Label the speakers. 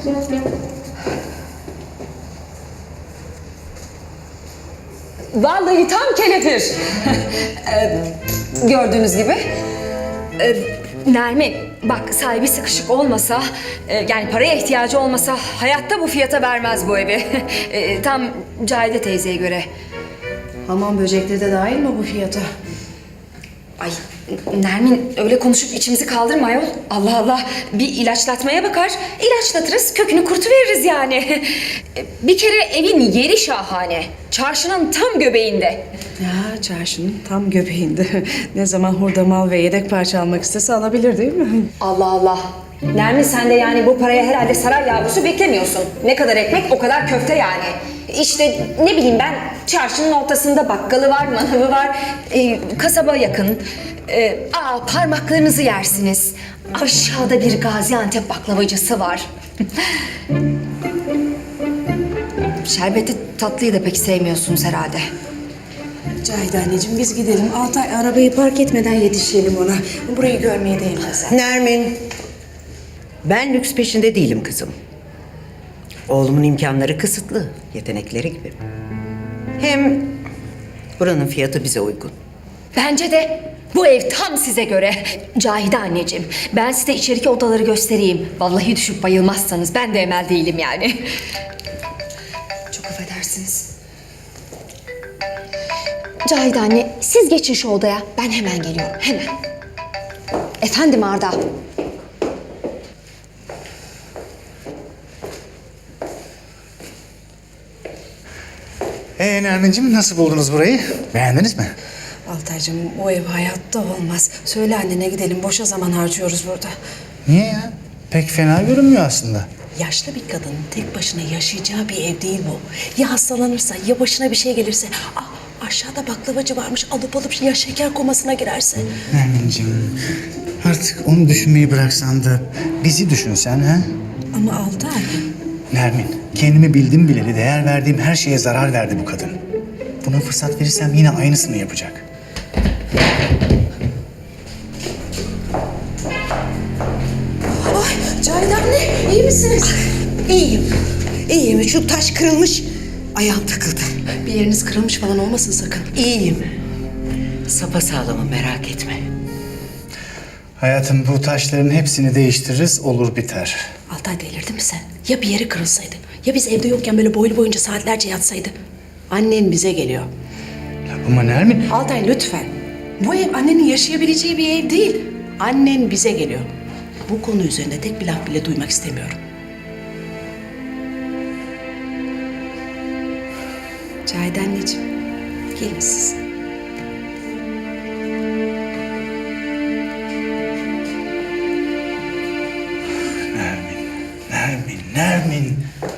Speaker 1: Vallahi tam kelepir. Gördüğünüz gibi. Nermin, bak sahibi sıkışık olmasa, yani paraya ihtiyacı olmasa hayatta bu fiyata vermez bu evi. Tam Cahide teyzeye göre.
Speaker 2: Hamam böcekleri de dahil mi bu fiyata?
Speaker 1: Ay Nermin öyle konuşup içimizi kaldırma ayol. Allah Allah, bir ilaçlatmaya bakar. İlaçlatırız, kökünü kurtuveririz yani. Bir kere evin yeri şahane. Çarşının tam göbeğinde.
Speaker 2: Ya çarşının tam göbeğinde. Ne zaman hurda mal ve yedek parça almak istese alabilir değil mi?
Speaker 1: Allah Allah. Nermin sen de yani bu paraya herhalde saray yavrusu beklemiyorsun. Ne kadar ekmek o kadar köfte yani. İşte ne bileyim ben, çarşının ortasında bakkalı var, manavı var, kasaba yakın. Parmaklarınızı yersiniz. Aşağıda bir Gaziantep baklavacısı var. Şerbeti tatlıyı da pek sevmiyorsunuz herhalde.
Speaker 2: Cahide anneciğim biz gidelim. Altay arabayı park etmeden yetişelim ona. Burayı görmeye değmez.
Speaker 3: Nermin, ben lüks peşinde değilim kızım. Oğlumun imkanları kısıtlı, yetenekleri gibi. Hem buranın fiyatı bize uygun.
Speaker 1: Bence de bu ev tam size göre. Cahide anneciğim, ben size içeriki odaları göstereyim. Vallahi düşüp bayılmazsanız ben de emel değilim yani. Çok affedersiniz. Cahide anne, siz geçin şu odaya. Ben hemen geliyorum, hemen. Efendim Arda.
Speaker 4: Nermin'cim nasıl buldunuz burayı? Beğendiniz mi?
Speaker 2: Altaycığım o ev hayatta olmaz. Söyle annene gidelim. Boşa zaman harcıyoruz burada.
Speaker 4: Niye ya? Pek fena görünmüyor aslında.
Speaker 2: Yaşlı bir kadının tek başına yaşayacağı bir ev değil bu. Ya hastalanırsa ya başına bir şey gelirse. Aşağıda baklavacı varmış, alıp ya şeker komasına girerse.
Speaker 4: Nermin'cim artık onu düşünmeyi bıraksan da bizi düşünsen ha?
Speaker 2: Ama Altay.
Speaker 4: Nermin, kendimi bildim bileli değer verdiğim her şeye zarar verdi bu kadın. Buna fırsat verirsem yine aynısını yapacak.
Speaker 2: Ay Cahide anne iyi misiniz?
Speaker 3: İyiyim, iyiyim. Şu taş kırılmış, ayağım takıldı.
Speaker 2: Bir yeriniz kırılmış falan olmasın sakın.
Speaker 3: İyiyim. Sapasağlamım, merak etme.
Speaker 4: Hayatım bu taşların hepsini değiştiririz, olur biter.
Speaker 2: Altay delirdin mi sen? Ya bir yeri kırılsaydı? Ya biz evde yokken böyle boylu boyunca saatlerce yatsaydı? Annen bize geliyor.
Speaker 4: Ama Nermin...
Speaker 2: Altay lütfen. Bu ev annenin yaşayabileceği bir ev değil. Annen bize geliyor. Bu konu üzerinde tek bir laf bile duymak istemiyorum. Cahide anneciğim, gelin siz.
Speaker 4: Nermin, Nermin, Nermin.